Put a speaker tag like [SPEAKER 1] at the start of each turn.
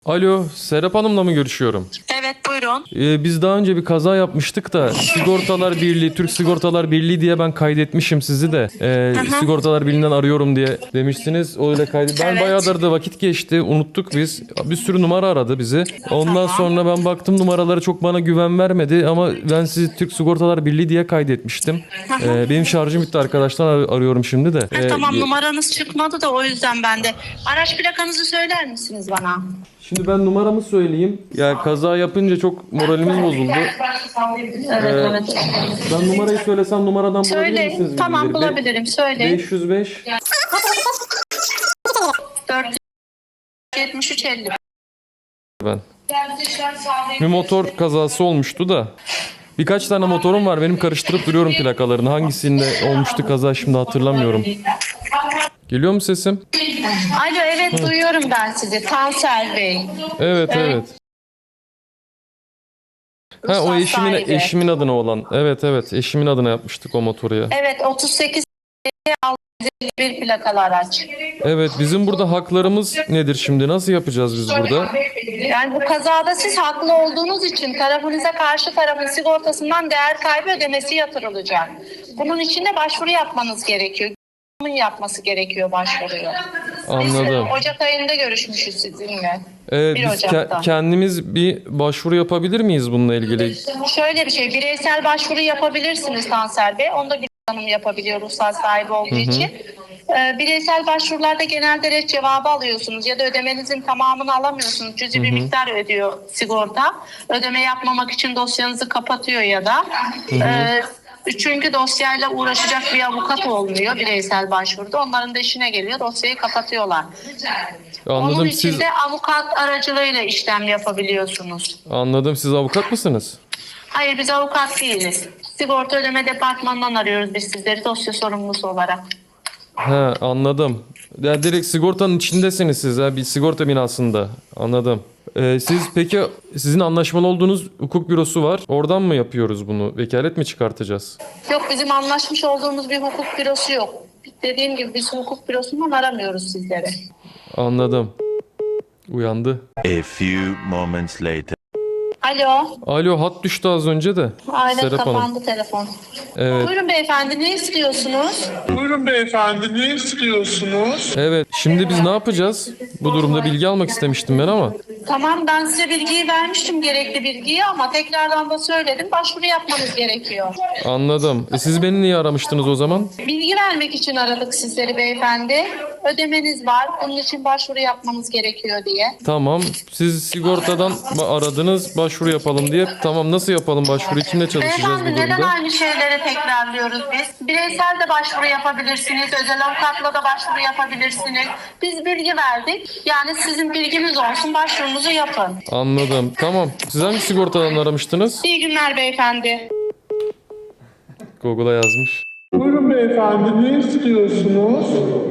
[SPEAKER 1] Alo, Serap Hanım'la mı görüşüyorum?
[SPEAKER 2] Evet, buyurun.
[SPEAKER 1] Biz daha önce bir kaza yapmıştık da Sigortalar Birliği, Türk Sigortalar Birliği diye ben kaydetmişim sizi de. Sigortalar Birliği'nden arıyorum diye demiştiniz. Öyle kaydet. Ben
[SPEAKER 2] Evet.
[SPEAKER 1] bayağıdır da vakit geçti, unuttuk biz. Bir sürü numara aradı bizi. Ondan sonra ben baktım numaraları çok bana güven vermedi ama ben sizi Türk Sigortalar Birliği diye kaydetmiştim. Benim şarjım bitti arkadaşlar, arıyorum şimdi de.
[SPEAKER 2] Tamam, numaranız çıkmadı da o yüzden ben de. Araç plakanızı söyler misiniz bana?
[SPEAKER 1] Şimdi ben numaramı söyleyeyim. Yani kaza yapınca çok moralimiz bozuldu.
[SPEAKER 2] Evet.
[SPEAKER 1] Ben numarayı söylesem numaradan bulabilir
[SPEAKER 2] Söyle.
[SPEAKER 1] misiniz?
[SPEAKER 2] Tamam,
[SPEAKER 1] bilgileri?
[SPEAKER 2] bulabilirim. Söyle.
[SPEAKER 1] 505
[SPEAKER 2] 473 50.
[SPEAKER 1] ben. Bir motor kazası olmuştu da. Birkaç tane motorum var. Benim karıştırıp duruyorum plakalarını. Hangisinde olmuştu kaza şimdi hatırlamıyorum. Geliyor mu sesim?
[SPEAKER 2] Alo, evet, duyuyorum ben sizi. Tansel Bey.
[SPEAKER 1] Evet. Ha, o
[SPEAKER 2] Ruhsat sahibi.
[SPEAKER 1] eşimin adına olan. Evet, eşimin adına yapmıştık o motoru ya.
[SPEAKER 2] Evet, 38 bir plakalı araç.
[SPEAKER 1] Evet, bizim burada haklarımız nedir şimdi? Nasıl yapacağız biz burada?
[SPEAKER 2] Yani bu kazada siz haklı olduğunuz için tarafınıza karşı tarafın sigortasından değer kaybı ödemesi yatırılacak. Bunun için de başvuru yapmanız gerekiyor. Yapması gerekiyor başvuruyu.
[SPEAKER 1] Anladım.
[SPEAKER 2] Biz Ocak ayında görüşmüşüz sizinle.
[SPEAKER 1] Evet,
[SPEAKER 2] 1
[SPEAKER 1] biz
[SPEAKER 2] Ocak'ta.
[SPEAKER 1] kendimiz bir başvuru yapabilir miyiz bununla ilgili?
[SPEAKER 2] Şöyle bir şey, bireysel başvuru yapabilirsiniz Tansel Bey. Onu da bir hanım yapabiliyor ruhsat sahibi olduğu için. Bireysel başvurularda genelde ret cevabı alıyorsunuz ya da ödemenizin tamamını alamıyorsunuz. Cüzi bir miktar ödüyor sigorta. Ödeme yapmamak için dosyanızı kapatıyor ya da. Çünkü dosyayla uğraşacak bir avukat olmuyor bireysel başvuruda. Onların da işine geliyor. Dosyayı kapatıyorlar.
[SPEAKER 1] Anladım.
[SPEAKER 2] Onun için
[SPEAKER 1] Siz
[SPEAKER 2] de avukat aracılığıyla işlem yapabiliyorsunuz.
[SPEAKER 1] Anladım. Siz avukat mısınız?
[SPEAKER 2] Hayır, biz avukat değiliz. Sigorta ödeme departmanından arıyoruz biz sizleri dosya sorumlusu olarak.
[SPEAKER 1] He, anladım. Ya direkt sigortanın içindesiniz siz ha, bir sigorta binasında. Anladım. Siz peki sizin anlaşmalı olduğunuz hukuk bürosu var. Oradan mı yapıyoruz bunu? Vekalet mi çıkartacağız?
[SPEAKER 2] Yok, bizim anlaşmış olduğumuz bir hukuk bürosu yok. Dediğim gibi biz hukuk bürosundan aramıyoruz sizleri.
[SPEAKER 1] Anladım. Uyandı.
[SPEAKER 3] A few moments later.
[SPEAKER 2] Alo.
[SPEAKER 1] Alo, hat düştü az önce de.
[SPEAKER 2] Aynen,
[SPEAKER 1] Serap Hanım.
[SPEAKER 2] kapandı telefon.
[SPEAKER 1] Evet.
[SPEAKER 2] Buyurun beyefendi, ne istiyorsunuz?
[SPEAKER 4] Buyurun beyefendi, ne istiyorsunuz?
[SPEAKER 1] Evet. Şimdi biz ne yapacağız? Bu durumda bilgi almak istemiştim ben ama.
[SPEAKER 2] Tamam, ben size bilgiyi vermiştim, gerekli bilgiyi, ama tekrardan da söyledim. Başvuru yapmanız gerekiyor.
[SPEAKER 1] Anladım. Siz beni niye aramıştınız o zaman?
[SPEAKER 2] Bilgi vermek için aradık sizleri beyefendi. Ödemeniz var. Bunun için başvuru yapmanız gerekiyor diye.
[SPEAKER 1] Tamam. Siz sigortadan aradınız başvuru yapalım diye. Tamam, nasıl yapalım başvuruyu? Kimle çalışacağız bu
[SPEAKER 2] Beyefendi, neden
[SPEAKER 1] durumda?
[SPEAKER 2] aynı şeyleri tekrarlıyoruz biz? Bireysel de başvuru yapabilirsiniz. Özel avukatla da başvuru yapabilirsiniz. Biz bilgi verdik. Yani sizin bilginiz olsun. Başvurunuzu yapın.
[SPEAKER 1] Anladım. Tamam. Siz hangi sigortadan aramıştınız?
[SPEAKER 2] İyi günler beyefendi.
[SPEAKER 1] Google'a yazmış.
[SPEAKER 4] Buyurun beyefendi, ne istiyorsunuz?